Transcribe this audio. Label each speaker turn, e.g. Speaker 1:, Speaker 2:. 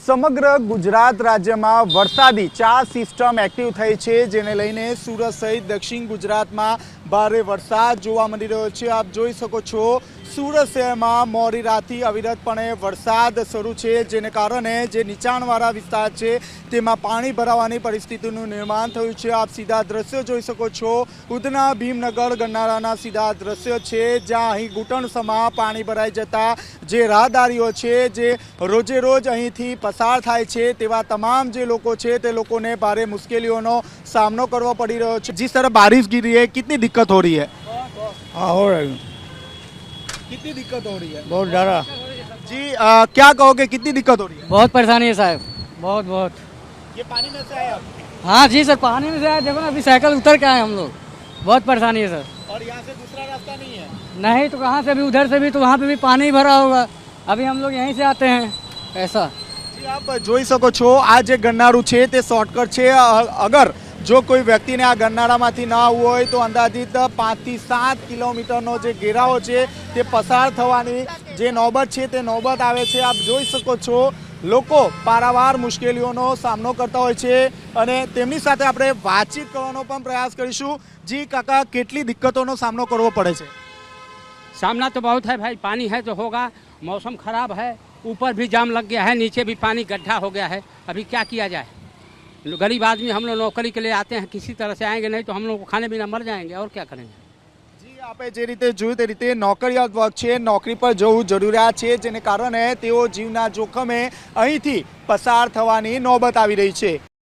Speaker 1: સમગ્ર ગુજરાત રાજ્યમાં વરસાદી ચાર સિસ્ટમ એક્ટિવ થઈ છે, જેને લઈને સુરત સહિત દક્ષિણ ગુજરાતમાં ભારે વરસાદ જોવા મળી રહ્યો છે। આપ જોઈ શકો છો સુરત શહેરમાં મોડી રાતથી અવિરતપણે વરસાદ શરૂ છે, જેને કારણે જે નીચાણવાળા વિસ્તાર છે તેમાં પાણી ભરાવાની પરિસ્થિતિનું નિર્માણ થયું છે। આપ સીધા દ્રશ્યો જોઈ શકો છો, ઉધના ભીમનગર ગરનાળાના સીધા દ્રશ્યો છે, જ્યાં અહીં ઘૂંટણસમાં પાણી ભરાઈ જતા જે રાહદારીઓ છે જે રોજે રોજ અહીંથી पसार थाय छे तेवा तमाम जे लोगों छे ते लोगों ने भारे मुश्किलों सामनो करवो पड़ी रह्यो छे। जिस तरह बारिश गिर रही है, कितनी दिक्कत हो रही है?
Speaker 2: हाँ, हो रही है।
Speaker 1: कितनी दिक्कत हो रही है?
Speaker 2: बहुत ज़्यादा
Speaker 1: जी। क्या कहोगे, कितनी दिक्कत हो रही है?
Speaker 3: बहुत परेशानी है साहब, बहुत बहुत।
Speaker 1: ये पानी में से आए आप?
Speaker 3: हाँ जी सर, पानी में से आए। देखो ना, अभी साइकिल उतर के आए हम लोग। बहुत परेशानी है सर।
Speaker 1: और यहाँ से दूसरा रास्ता नहीं है?
Speaker 3: नहीं तो कहाँ से, अभी उधर से भी तो वहाँ पे भी पानी भरा होगा। अभी हम लोग यहीं से आते हैं ऐसा।
Speaker 1: आप જોઈ શકો છો આ જે ગરનાળું છે તે શોર્ટકટ છે। અગર જો કોઈ વ્યક્તિને આ ગરનાળામાંથી ના આવવું હોય તો અંદાજિત 5 થી 7 કિલોમીટરનો જે ઘેરાવો છે તે પસાર થવાની જે નોબત છે તે નોબત આવે છે। આપ જોઈ શકો છો લોકો પારાવાર મુશ્કેલીઓનો સામનો કરતા હોય છે અને તેમની સાથે આપણે વાતચીત કરવાનો પણ પ્રયાસ કરીશું। જી કાકા, કેટલી દિક્કતોનો સામનો કરવો પડે છે?
Speaker 4: सामना तो बहुत है भाई, पानी है तो होगा। मौसम खराब है, ऊपर भी जाम लग गया है, नीचे भी पानी गड्ढा हो गया है। अभी क्या किया जाए? गरीब आदमी हम लोग नौकरी के लिए आते हैं, किसी तरह से आएंगे, नहीं तो हम लोग खाने बिना मर जाएंगे। और क्या करेंगे?
Speaker 1: જી, આપે જે રીતે જોયું તે રીતે નોકરિયાત વર્ગ છે, નોકરી પર જવું જરૂરિયાત છે, જેને કારણે તેઓ જીવના જોખમે અહીંથી પસાર થવાની નોબત આવી રહી છે।